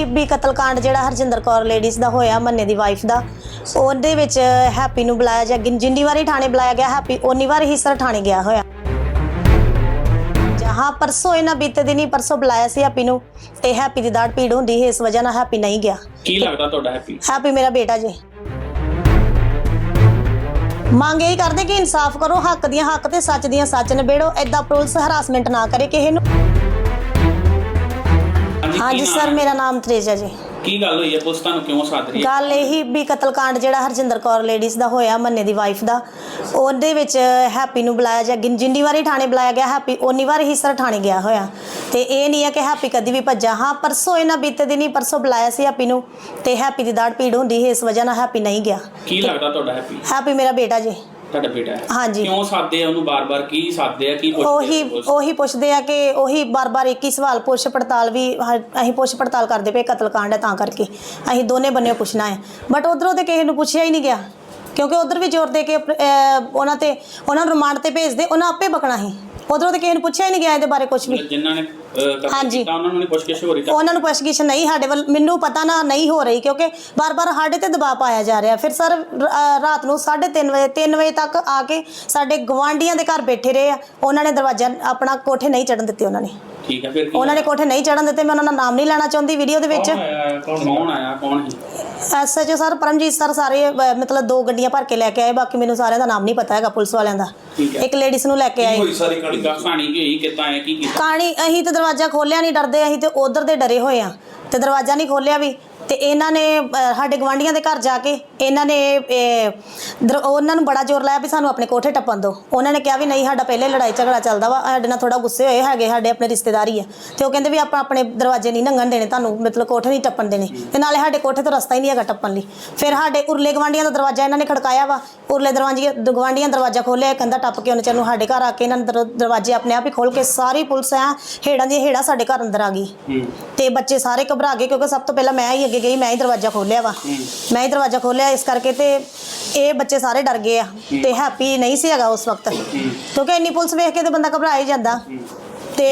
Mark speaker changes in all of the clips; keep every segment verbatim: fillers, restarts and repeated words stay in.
Speaker 1: ਵੀ ਕਤਲकांड ਜਿਹੜਾ ਹਰਜਿੰਦਰ ਕੌਰ ਲੇਡੀਜ਼ ਦਾ ਹੋਇਆ ਮੰਨੇ ਦੀ ਵਾਈਫ ਦਾ, ਉਹਦੇ ਵਿੱਚ ਹੈਪੀ ਨੂੰ ਬੁਲਾਇਆ ਜਾ ਜਿੰਨੀ ਵਾਰੀ ਥਾਣੇ ਬੁਲਾਇਆ ਗਿਆ ਹੈਪੀ ਉਨੀ ਵਾਰ ਹੀ ਸਰ ਥਾਣੇ ਗਿਆ ਹੋਇਆ। हाँ परसों इन्हें बीते दिन ही परसों बुलाया सी हैप्पी नूं ते हैप्पी दी दाड़ पीड़ हुंदी है, इस वजह नाल हैप्पी नहीं गया।
Speaker 2: की लगदा तुहाडा हैप्पी? हैप्पी
Speaker 1: मेरा बेटा जी। मांग यही करदे कि इंसाफ करो, हक दियां हक ते सच दियां सच निबेड़ो, ऐदा पुलिस हरासमेंट ना करे किसी नूं। हाँ जी सर, मेरा नाम त्रेजा जी।
Speaker 2: की गल होई है, पुलिस तुहानूं क्यों साथ रही है?
Speaker 1: गल यही भी कतलकांड जिहड़ा हरजिंदर कौर लेडीज़ दा होया मन्ने दी वाइफ दा, ਉਹਦੇ ਵਿੱਚ हैप्पी ਨੂੰ ਬੁਲਾਇਆ ਜਾ ਜਿੰਨੀ ਵਾਰੀ ਥਾਣੇ ਬੁਲਾਇਆ ਗਿਆ हैप्पी ਉਨੀ ਵਾਰ ਹੀ ਸਰ ਥਾਣੇ ਗਿਆ ਹੋਇਆ ਤੇ ਇਹ ਨਹੀਂ ਹੈ ਕਿ हैप्पी ਕਦੀ ਵੀ ਭੱਜਾ। ਹਾਂ ਪਰਸੋਂ ਇਹਨਾਂ ਬੀਤੇ ਦਿਨ ਹੀ ਪਰਸੋਂ ਬੁਲਾਇਆ ਸੀ हैप्पी ਨੂੰ ਤੇ हैप्पी ਦੀ ਦਾੜ ਪੀੜ ਹੁੰਦੀ ਹੈ, ਇਸ ਵਜ੍ਹਾ ਨਾਲ हैप्पी नहीं ਗਿਆ।
Speaker 2: ਕੀ ਲੱਗਦਾ ਤੁਹਾਡਾ हैप्पी?
Speaker 1: हैप्पी ਮੇਰਾ ਬੇਟਾ ਜੀ।
Speaker 2: ਤੁਹਾਡਾ ਬੇਟਾ ਹੈ?
Speaker 1: हाँ जी।
Speaker 2: ਕਿਉਂ ਸਾਦੇ ਆ ਉਹਨੂੰ ਬਾਰ-ਬਾਰ, ਕੀ ਸਾਦੇ ਆ, ਕੀ ਪੁੱਛਦੇ?
Speaker 1: ਉਹੀ ਉਹੀ ਪੁੱਛਦੇ ਆ ਕਿ ਉਹੀ ਬਾਰ-ਬਾਰ ਇੱਕ ਹੀ ਸਵਾਲ, ਪੁੱਛ ਪੜਤਾਲ ਵੀ ਅਸੀਂ ਪੁੱਛ ਪੜਤਾਲ ਕਰਦੇ ਪਏ, ਕਤਲकांड ਹੈ ਤਾਂ ਕਰਕੇ ਅਸੀਂ ਦੋਨੇ ਬੰਨੇ ਪੁੱਛਣਾ ਹੈ। ਬਟ ਉਧਰੋਂ ਤੇ ਕਿਸੇ ਨੂੰ ਪੁੱਛਿਆ ਹੀ ਨਹੀਂ ਗਿਆ ਕਿਉਂਕਿ ਉਧਰ ਵੀ ਜ਼ੋਰ ਦੇ ਕੇ ਉਹਨਾਂ ਤੇ ਉਹਨਾਂ ਨੂੰ ਰਿਮਾਂਡ ਤੇ ਭੇਜਦੇ, ਉਹਨਾਂ ਆਪੇ ਬਕਣਾ ਸੀ। ਉਧਰੋਂ ਤੇ ਕਿਸੇ ਨੂੰ ਪੁੱਛਿਆ ਹੀ ਨਹੀਂ ਗਿਆ ਇਹਦੇ ਬਾਰੇ ਕੁਝ ਵੀ।
Speaker 2: ਜਿਨ੍ਹਾਂ ਨੇ ਕਤਲ ਕੀਤਾ ਉਹਨਾਂ ਨੂੰ ਨਹੀਂ ਪੁੱਛਗਿੱਛ ਹੋ ਰਹੀ? ਉਹਨਾਂ
Speaker 1: ਨੂੰ ਪੁੱਛਗਿੱਛ ਨਹੀਂ ਸਾਡੇ ਵੱਲ, ਮੈਨੂੰ ਪਤਾ ਨਾ ਨਹੀਂ ਹੋ ਰਹੀ ਕਿਉਂਕਿ ਬਾਰ-ਬਾਰ ਸਾਡੇ ਤੇ ਦਬਾਅ ਪਾਇਆ ਜਾ ਰਿਹਾ। ਫਿਰ ਸਰ ਰਾਤ ਨੂੰ ਸਾਢੇ ਤਿੰਨ ਵਜੇ ਤਿੰਨ ਵਜੇ ਤੱਕ ਆ ਕੇ ਸਾਡੇ ਗਵਾਂਢੀਆਂ ਦੇ ਘਰ ਬੈਠੇ ਰਹੇ ਆ, ਉਹਨਾਂ ਨੇ ਦਰਵਾਜ਼ਾ ਆਪਣਾ ਕੋਠੇ ਨਹੀਂ ਚੜਨ ਦਿੱਤੇ। ਉਹਨਾਂ ਨੇ
Speaker 2: ਠੀਕ ਹੈ, ਫਿਰ
Speaker 1: ਉਹਨਾਂ ਨੇ ਕੋਠੇ ਨਹੀਂ ਚੜਨ ਦਿੱਤੇ। ਮੈਂ ਉਹਨਾਂ ਦਾ ਨਾਮ ਨਹੀਂ ਲੈਣਾ ਚਾਹੁੰਦੀ ਵੀਡੀਓ ਦੇ ਵਿੱਚ।
Speaker 2: ਕੌਣ ਆਇਆ, ਕੌਣ ਸੀ?
Speaker 1: ਐਸਐਚਓ ਸਰ ਪਰਮਜੀਤ ਸਰ, ਸਾਰੇ ਮਤਲਬ ਦੋ ਗੱਡੀਆਂ ਭਰ ਕੇ ਲੈ ਕੇ ਆਏ, ਬਾਕੀ ਮੈਨੂੰ ਸਾਰਿਆਂ ਦਾ ਨਾਮ ਨਹੀਂ ਪਤਾ ਹੈਗਾ ਪੁਲਿਸ ਵਾਲਿਆਂ ਦਾ। ਇੱਕ ਲੇਡੀਜ਼ ਨੂੰ ਲੈ ਕੇ ਆਏ।
Speaker 2: ਹੋਈ ਸਾਰੀ ਕਹਾਣੀ ਕੀ ਹੋਈ, ਕਿੱਦਾਂ ਹੈ, ਕੀ ਕੀਤਾ?
Speaker 1: ਕਹਾਣੀ ਅਸੀਂ ਤੇ ਦਰਵਾਜ਼ਾ ਖੋਲਿਆ ਨਹੀਂ, ਡਰਦੇ ਅਸੀਂ ਤੇ ਉਧਰ ਦੇ ਡਰੇ ਹੋਏ ਆ ਤੇ ਦਰਵਾਜ਼ਾ ਨਹੀਂ ਖੋਲਿਆ ਵੀ। ਤੇ ਇਹਨਾਂ ਨੇ ਸਾਡੇ ਗਵਾਂਢੀਆਂ ਦੇ ਘਰ ਜਾ ਕੇ ਇਹਨਾਂ ਨੇ ਉਹਨਾਂ ਨੂੰ ਬੜਾ ਜ਼ੋਰ ਲਾਇਆ ਵੀ ਸਾਨੂੰ ਆਪਣੇ ਕੋਠੇ ਟੱਪਣ ਦਿਓ। ਉਹਨਾਂ ਨੇ ਕਿਹਾ ਵੀ ਨਹੀਂ, ਸਾਡਾ ਪਹਿਲੇ ਲੜਾਈ ਝਗੜਾ ਚੱਲਦਾ ਵਾ, ਸਾਡੇ ਨਾਲ ਥੋੜਾ ਗੁੱਸੇ ਹੋਏ ਹੈਗੇ, ਸਾਡੇ ਆਪਣੇ ਰਿਸ਼ਤੇਦਾਰੀ ਆ ਤੇ ਉਹ ਕਹਿੰਦੇ ਵੀ ਆਪਾਂ ਆਪਣੇ ਦਰਵਾਜ਼ੇ ਨਹੀਂ ਲੰਘਣ ਦੇਣੇ, ਤੁਹਾਨੂੰ ਮਤਲਬ ਕੋਠੇ ਨਹੀਂ ਟੱਪਣ ਦੇਣੇ ਤੇ ਨਾਲੇ ਸਾਡੇ ਕੋਠੇ ਤੋਂ ਰਸਤਾ ਹੀ ਨਹੀਂ ਹੈਗਾ ਟੱਪਣ ਲਈ। ਫਿਰ ਸਾਡੇ ਉਰਲੇ ਗਵਾਂਢੀਆਂ ਦਾ ਦਰਵਾਜ਼ਾ ਇਹਨਾਂ ਨੇ ਖੜਕਾਇਆ ਵਾ, ਉਰਲੇ ਦਰਵਾਜ਼ੇ ਗਵਾਂਢੀਆਂ ਦਰਵਾਜ਼ਾ ਖੋਲ੍ਹਿਆ, ਕਹਿੰਦਾ ਟੱਪ ਕੇ ਉਹਨੇ ਚੰਨੂ ਸਾਡੇ ਘਰ ਆ ਕੇ ਇਹਨਾਂ ਨੇ ਦਰਵਾਜ਼ੇ ਆਪਣੇ ਆਪ ਹੀ ਖੋਲ੍ਹ ਕੇ ਸਾਰੀ ਪੁਲਿਸ ਐ ਹੇੜਾਂ ਦੀਆਂ ਹੇੜਾਂ ਸਾਡੇ ਘਰ ਅੰਦਰ ਆ ਗਈ ਤੇ ਬੱਚੇ ਸਾਰੇ ਘਬਰਾ ਗਏ ਕਿਉਂਕਿ ਸਭ ਤੋਂ ਪਹਿਲਾਂ ਮੈਂ ਹੀ ਅੱਗੇ ਗਈ, ਮੈਂ ਹੀ ਦਰਵਾਜ਼ਾ ਖੋਲਿਆ ਵਾ, ਮੈਂ ਹੀ ਦਰਵਾਜ਼ਾ ਖੋਲਿਆ। ਇਸ ਕਰਕੇ ਤੇ ਇਹ ਬੱਚੇ ਸਾਰੇ ਡਰ ਗਏ ਆ ਤੇ ਹੈਪੀ ਨਹੀਂ ਸੀ ਹੈਗਾ ਉਸ ਵਕਤ ਕਿਉਂਕਿ ਇੰਨੀ ਪੁਲਿਸ ਵੇਖ ਕੇ ਤੇ ਬੰਦਾ ਘਬਰਾ ਹੀ ਜਾਂਦਾ। ਤੇ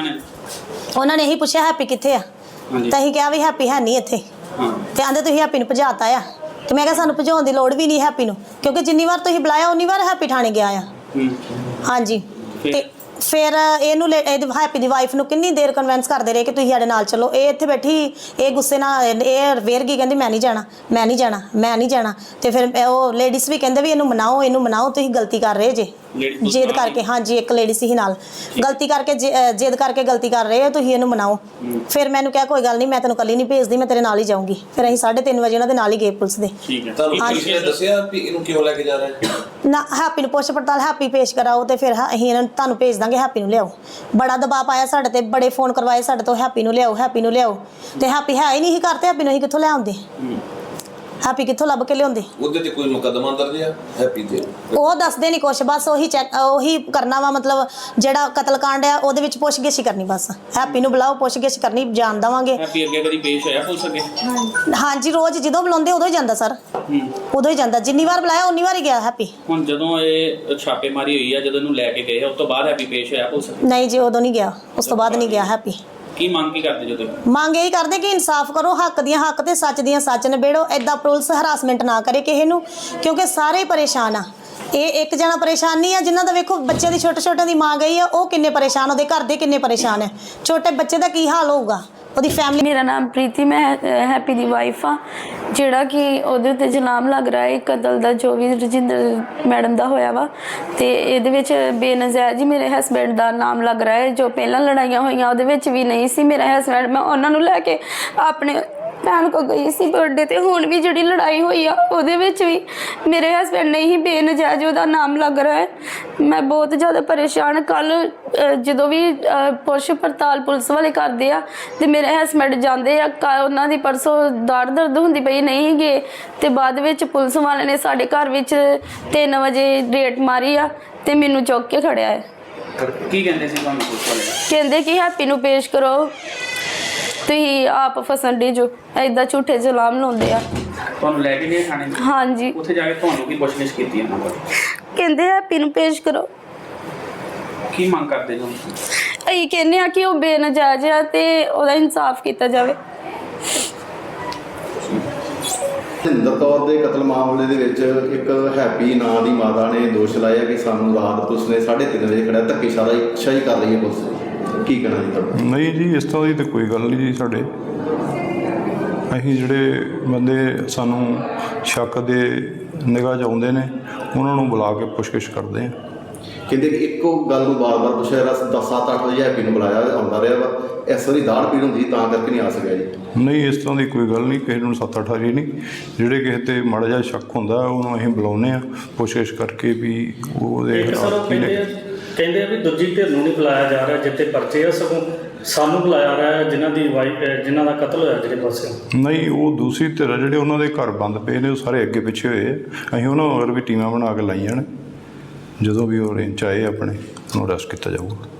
Speaker 1: ਉਹਨਾਂ ਨੇ ਇਹੀ ਪੁੱਛਿਆ ਹੈਪੀ ਕਿੱਥੇ ਆ, ਤਾਂ ਅਸੀਂ ਕਿਹਾ ਵੀ ਹੈਪੀ ਹੈ ਨਹੀਂ ਇੱਥੇ ਤੇ ਆਂਦੇ ਤੁਸੀਂ ਹੈਪੀ ਨੂੰ ਭਜਾਤਾ ਆ। ਤੇ ਮੈਂ ਕਿਹਾ ਸਾਨੂੰ ਭਜਾਉਣ ਦੀ ਲੋੜ ਵੀ ਨਹੀਂ ਹੈਪੀ ਨੂੰ ਕਿਉਂਕਿ ਜਿੰਨੀ ਵਾਰ ਤੁਸੀਂ ਬੁਲਾਇਆ ਉਨੀ ਵਾਰ ਹੈਪੀ ਥਾਣੇ ਗਿਆ ਆ। ਹਾਂਜੀ। ਤੇ ਫਿਰ ਇਹਨੂੰ ਹੈਪੀ ਦੀ ਵਾਈਫ ਨੂੰ ਕਿੰਨੀ ਦੇਰ ਕਨਵਿੰਸ ਕਰਦੇ ਰਹੇ ਕਿ ਤੁਸੀਂ ਸਾਡੇ ਨਾਲ ਚਲੋ। ਇਹ ਇੱਥੇ ਬੈਠੀ, ਇਹ ਗੁੱਸੇ ਨਾਲ ਇਹ ਵੇਰ ਗਈ, ਕਹਿੰਦੀ ਮੈਂ ਨਹੀਂ ਜਾਣਾ, ਮੈਂ ਨਹੀਂ ਜਾਣਾ, ਮੈਂ ਨਹੀਂ ਜਾਣਾ। ਤੇ ਫਿਰ ਉਹ ਲੇਡੀਜ਼ ਵੀ ਕਹਿੰਦੇ ਵੀ ਇਹਨੂੰ ਮਨਾਓ, ਇਹਨੂੰ ਮਨਾਓ, ਤੁਸੀਂ ਗਲਤੀ ਕਰ ਰਹੇ ਜੇ ਜਿੱਦ ਕਰਕੇ। ਹਾਂਜੀ, ਇੱਕ ਲੇਡੀ ਸੀ ਨਾਲ, ਗਲਤੀ ਕਰਕੇ ਜਿੱਦ ਕਰਕੇ ਗਲਤੀ ਕਰ ਰਹੇ ਹੋ ਤੁਸੀਂ, ਇਹਨੂੰ ਮਨਾਓ। ਫਿਰ ਮੈਨੂੰ ਕਿਹਾ ਕੋਈ ਗੱਲ ਨਹੀਂ, ਮੈਂ ਤੈਨੂੰ ਕੱਲੀ ਨਹੀਂ ਭੇਜਦੀ, ਮੈਂ ਤੇਰੇ ਨਾਲ ਹੀ ਜਾਊਂਗੀ। ਫਿਰ ਅਸੀਂ ਸਾਢੇ ਤਿੰਨ ਵਜੇ ਉਹਨਾਂ ਦੇ ਨਾਲ ਹੀ ਗਏ ਪੁਲਿਸ ਦੇ।
Speaker 3: ਦੱਸਿਆ ਵੀ ਇਹਨੂੰ ਕਿਉਂ ਲੈ ਕੇ ਜਾ ਰਹੇ
Speaker 1: ਨਾ, ਹੈਪੀ ਨੂੰ ਪੁੱਛ ਪੜਤਾਲ ਹੈਪੀ ਪੇਸ਼ ਕਰਾਓ ਤੇ ਫਿਰ ਅਸੀਂ ਇਹਨਾਂ ਨੂੰ ਤੁਹਾਨੂੰ ਭੇਜ ਦਾਂਗੇ, ਹੈਪੀ ਨੂੰ ਲਿਆਓ। ਬੜਾ ਦਬਾਅ ਪਾਇਆ ਸਾਡੇ ਤੇ, ਬੜੇ ਫੋਨ ਕਰਵਾਏ ਸਾਡੇ ਤੋਂ, ਹੈਪੀ ਨੂੰ ਲਿਆਓ, ਹੈਪੀ ਨੂੰ ਲਿਆਓ। ਤੇ ਹੈਪੀ ਹੈ ਹੀ ਨਹੀਂ ਸੀ ਘਰ ਤੇ ਹੈਪੀ ਨੂੰ ਅਸੀਂ ਕਿੱਥੋਂ ਲੈ ਆਉਂਦੇ, ਹੈਪੀ ਕਿੱਥੋਂ ਲੱਭ ਕੇ ਲਿਆਉਂਦੇ?
Speaker 3: ਉਹਦੇ ਤੇ ਕੋਈ ਮੁਕੱਦਮਾ ਦਰਜ ਆ ਹੈਪੀ ਤੇ?
Speaker 1: ਉਹ ਦੱਸਦੇ ਨਹੀਂ ਕੁਛ, ਬਸ ਉਹੀ ਚੈੱਕ ਉਹੀ ਕਰਨਾ ਵਾ, ਮਤਲਬ ਜਿਹੜਾ ਕਤਲकांड ਆ ਉਹਦੇ ਵਿੱਚ ਪੁੱਛਗਿੱਛ ਹੀ ਕਰਨੀ ਬਸ। ਹੈਪੀ ਨੂੰ ਬੁਲਾਓ, ਪੁੱਛਗਿੱਛ ਕਰਨੀ, ਜਾਣ ਦੇਵਾਂਗੇ।
Speaker 2: ਹੈਪੀ ਅੱਗੇ ਕਦੀ ਪੇਸ਼ ਹੋਇਆ ਪੁਲਿਸ ਅੱਗੇ?
Speaker 1: ਹਾਂਜੀ, ਰੋਜ਼ ਜਦੋਂ ਬੁਲਾਉਂਦੇ ਉਦੋਂ ਹੀ ਜਾਂਦਾ ਸਰ, ਉਦੋਂ ਹੀ ਜਾਂਦਾ। ਜਿੰਨੀ ਵਾਰ ਬੁਲਾਇਆ ਉਨੀ ਵਾਰ ਹੀ ਗਿਆ ਹੈਪੀ।
Speaker 2: ਹੁਣ ਜਦੋਂ ਇਹ ਛਾਪੇਮਾਰੀ ਹੋਈ ਆ, ਜਦੋਂ ਇਹਨੂੰ ਲੈ ਕੇ ਗਏ ਉਸ ਤੋਂ ਬਾਅਦ ਹੈਪੀ ਪੇਸ਼ ਹੋਇਆ ਪੁਲਿਸ?
Speaker 1: ਨਹੀਂ ਜੀ, ਉਦੋਂ ਨਹੀਂ ਗਿਆ, ਉਸ ਤੋਂ ਬਾਅਦ ਨਹੀਂ ਗਿਆ ਹੈਪੀ।
Speaker 2: ਕੀ ਮੰਗ ਕੀ ਕਰਦੇ ਜਦੋਂ?
Speaker 1: ਮੰਗ ਇਹੀ ਕਰਦੇ ਕਿ ਇਨਸਾਫ ਕਰੋ, ਹੱਕ ਦੀਆਂ ਹੱਕ ਤੇ ਸੱਚ ਦੀਆਂ ਸੱਚ ਨਿਬੇੜੋ, ਐਦਾਂ ਪੁਲਿਸ ਹਰਾਸਮੈਂਟ ਨਾ ਕਰੇ ਕਿਸੇ ਨੂੰ ਕਿਉਂਕਿ ਸਾਰੇ ਹੀ ਪਰੇਸ਼ਾਨ ਆ। ਇਹ ਇੱਕ ਜਣਾ ਪਰੇਸ਼ਾਨ ਨਹੀਂ ਆ, ਜਿਨ੍ਹਾਂ ਦਾ ਵੇਖੋ ਬੱਚੇ ਦੀ ਛੋਟੇ ਛੋਟੇ ਦੀ ਮਾਂ ਗਈ ਆ, ਉਹ ਕਿੰਨੇ ਪਰੇਸ਼ਾਨ, ਉਹਦੇ ਘਰ ਦੇ ਕਿੰਨੇ ਪਰੇਸ਼ਾਨ ਹੈ, ਛੋਟੇ ਬੱਚੇ ਦਾ ਕੀ ਹਾਲ ਹੋਊਗਾ, ਉਹਦੀ ਫੈਮਿਲੀ।
Speaker 4: ਮੇਰਾ ਨਾਮ ਪ੍ਰੀਤੀ, ਮੈਂ ਹੈਪੀ ਦੀ ਵਾਈਫ ਆ, ਜਿਹੜਾ ਕਿ ਉਹਦੇ ਉੱਤੇ ਇਲਜ਼ਾਮ ਲੱਗ ਰਿਹਾ ਹੈ ਕਤਲ ਦਾ, ਜੋ ਵੀ ਰਜਿੰਦਰ ਮੈਡਮ ਦਾ ਹੋਇਆ ਵਾ। ਤੇ ਇਹਦੇ ਵਿੱਚ ਬੇਨਜ਼ਾਇਜ਼ ਹੀ ਮੇਰੇ ਹਸਬੈਂਡ ਦਾ ਨਾਮ ਲੱਗ ਰਿਹਾ ਹੈ। ਜੋ ਪਹਿਲਾਂ ਲੜਾਈਆਂ ਹੋਈਆਂ ਉਹਦੇ ਵਿੱਚ ਵੀ ਨਹੀਂ ਸੀ ਮੇਰਾ ਹਸਬੈਂਡ, ਮੈਂ ਉਹਨਾਂ ਨੂੰ ਲੈ ਕੇ ਆਪਣੇ ਭੈਣ ਕੋ ਗਈ ਸੀ ਬਰਥਡੇ ਤੇ। ਹੁਣ ਵੀ ਜਿਹੜੀ ਲੜਾਈ ਹੋਈ ਆ ਉਹਦੇ ਵਿੱਚ ਵੀ ਮੇਰੇ ਹਸਬੈਂਡ ਨੇ ਹੀ ਬੇਨਜਾਇਜ਼ ਉਹਦਾ ਨਾਮ ਲੱਗ ਰਿਹਾ ਹੈ। ਮੈਂ ਬਹੁਤ ਜ਼ਿਆਦਾ ਪਰੇਸ਼ਾਨ। ਕੱਲ੍ਹ ਜਦੋਂ ਵੀ ਪੁੱਛ ਪੜਤਾਲ ਪੁਲਿਸ ਵਾਲੇ ਕਰਦੇ ਆ ਤੇ ਮੇਰੇ ਹਸਬੈਂਡ ਜਾਂਦੇ ਆ, ਉਹਨਾਂ ਦੀ ਪਰਸੋਂ ਦਾੜ ਦਰਦ ਹੁੰਦੀ ਪਈ, ਨਹੀਂ ਗਏ। ਤੇ ਬਾਅਦ ਵਿੱਚ ਪੁਲਿਸ ਵਾਲਿਆਂ ਨੇ ਸਾਡੇ ਘਰ ਵਿੱਚ ਤਿੰਨ ਵਜੇ ਰੇਡ ਮਾਰੀ ਆ ਤੇ ਮੈਨੂੰ ਚੁੱਕ ਕੇ ਖੜਿਆ ਹੈ।
Speaker 2: ਕੀ ਕਹਿੰਦੇ ਸੀ ਤੁਹਾਨੂੰ ਪੁਲਿਸ ਵਾਲੇ?
Speaker 4: ਕਹਿੰਦੇ ਕਿ ਹੈਪੀ ਨੂੰ ਪੇਸ਼ ਕਰੋ, ਤੁਸੀਂ ਆਪ ਫਸਣ ਡੇ ਜੋ, ਏਦਾਂ ਝੂਠੇ ਇਲਜ਼ਾਮ ਲਾਉਂਦੇ ਆ।
Speaker 2: ਤੁਹਾਨੂੰ ਲੈ ਕੇ ਗਏ ਥਾਣੇ?
Speaker 4: ਹਾਂਜੀ।
Speaker 2: ਉੱਥੇ ਜਾ ਕੇ ਤੁਹਾਨੂੰ ਕੀ ਪੁੱਛਗਿੱਛ ਕੀਤੀ ਇਹਨਾਂ ਕੋਲ?
Speaker 4: ਕਹਿੰਦੇ ਹੈਪੀ ਨੂੰ ਪੇਸ਼ ਕਰੋ।
Speaker 2: ਕੀ ਮੰਗ ਕਰਦੇ ਜੋ?
Speaker 4: ਅਸੀਂ ਕਹਿੰਦੇ ਆ ਕਿ ਉਹ ਬੇਨਜਾਇਜ਼ ਆ ਤੇ ਉਹਦਾ ਇਨਸਾਫ ਕੀਤਾ ਜਾਵੇ।
Speaker 5: ਹਰਿੰਦਰ ਕੌਰ ਦੇ ਕਤਲ ਮਾਮਲੇ ਦੇ ਵਿੱਚ ਇੱਕ ਹੈਪੀ ਨਾਂ ਦੀ ਮਾਤਾ ਨੇ ਦੋਸ਼ ਲਾਇਆ ਕਿ ਸਾਨੂੰ ਰਾਤ ਪੁਲਿਸ ਨੇ ਸਾਢੇ ਤਿੰਨ ਵਜੇ ਖੜਿਆ ਧੱਕੇਸ਼ਾਹੀ ਸ਼ਾਹੀ ਕਰ ਰਹੀ ਹੈ ਪੁਲਿਸ। ਕੀ ਕਹਿਣਾ ਜੀ ਤੁਹਾਡਾ?
Speaker 6: ਨਹੀਂ ਜੀ, ਇਸ ਤਰ੍ਹਾਂ ਦੀ ਤਾਂ ਕੋਈ ਗੱਲ ਨਹੀਂ ਜੀ। ਸਾਡੇ ਅਸੀਂ ਜਿਹੜੇ ਬੰਦੇ ਸਾਨੂੰ ਸ਼ੱਕ ਦੇ ਨਿਗਾਹ 'ਚ ਆਉਂਦੇ ਨੇ ਉਹਨਾਂ ਨੂੰ ਬੁਲਾ ਕੇ ਪੁੱਛਗਿੱਛ ਕਰਦੇ ਹਾਂ।
Speaker 5: ਕਹਿੰਦੇ ਕਿ ਇੱਕੋ ਗੱਲ ਨੂੰ ਬਾਰ-ਬਾਰ ਪੁੱਛਿਆ ਰਸ ਦਸ ਸੱਤ ਅੱਠ ਵਜੇ ਹੈਪੀ ਨੂੰ ਬੁਲਾਇਆ ਆਉਂਦਾ ਰਿਹਾ ਵਾ, ਇਸ ਵਾਰੀ ਦਾੜ ਪੀੜ ਹੁੰਦੀ ਤਾਂ ਕਰਕੇ ਨਹੀਂ ਆ ਸਕਿਆ ਜੀ।
Speaker 6: ਨਹੀਂ, ਇਸ ਤਰ੍ਹਾਂ ਦੀ ਕੋਈ ਗੱਲ ਨਹੀਂ। ਕਿਸੇ ਨੂੰ ਸੱਤ ਅੱਠ ਵਾਰੀ ਨਹੀਂ, ਜਿਹੜੇ ਕਿਸੇ 'ਤੇ ਮਾੜਾ ਜਿਹਾ ਸ਼ੱਕ ਹੁੰਦਾ ਉਹਨੂੰ ਅਸੀਂ ਬੁਲਾਉਂਦੇ ਹਾਂ ਪੁੱਛਗਿੱਛ ਕਰਕੇ ਵੀ ਉਹਦੇ
Speaker 7: ਇੱਕ ਸਰ ਉਹ
Speaker 6: ਕੀ
Speaker 7: ਕਹਿੰਦੇ
Speaker 6: ਨੇ।
Speaker 7: ਆ ਕਹਿੰਦੇ ਆ ਵੀ ਦੂਜੀ ਧਿਰ ਨੂੰ ਨਹੀਂ ਬੁਲਾਇਆ ਜਾ ਰਿਹਾ ਜਿੱਥੇ ਪਰਚੇ ਆ, ਸਗੋਂ ਸਾਨੂੰ ਬੁਲਾਇਆ ਰਿਹਾ ਜਿਨ੍ਹਾਂ ਦੀ ਵਾਈਫ ਜਿਨ੍ਹਾਂ ਦਾ ਕਤਲ ਹੋਇਆ ਜਿਹੜੇ ਪਾਸੇ।
Speaker 6: ਨਹੀਂ, ਉਹ ਦੂਸਰੀ ਧਿਰ ਆ, ਜਿਹੜੇ ਉਹਨਾਂ ਦੇ ਘਰ ਬੰਦ ਪਏ ਨੇ ਉਹ ਸਾਰੇ ਅੱਗੇ ਪਿੱਛੇ ਹੋਏ ਆ। ਅਸੀਂ ਉਹਨਾਂ ਹੋਰ ਵੀ ਟੀਮਾਂ ਬਣਾ ਕੇ ਲਾਈਆਂ ਨੇ, ਜਦੋਂ ਵੀ ਉਹ ਰੇਂਜ 'ਚ ਆਏ ਆਪਣੇ ਉਹਨੂੰ ਅਰੈਸਟ ਕੀਤਾ ਜਾਊਗਾ।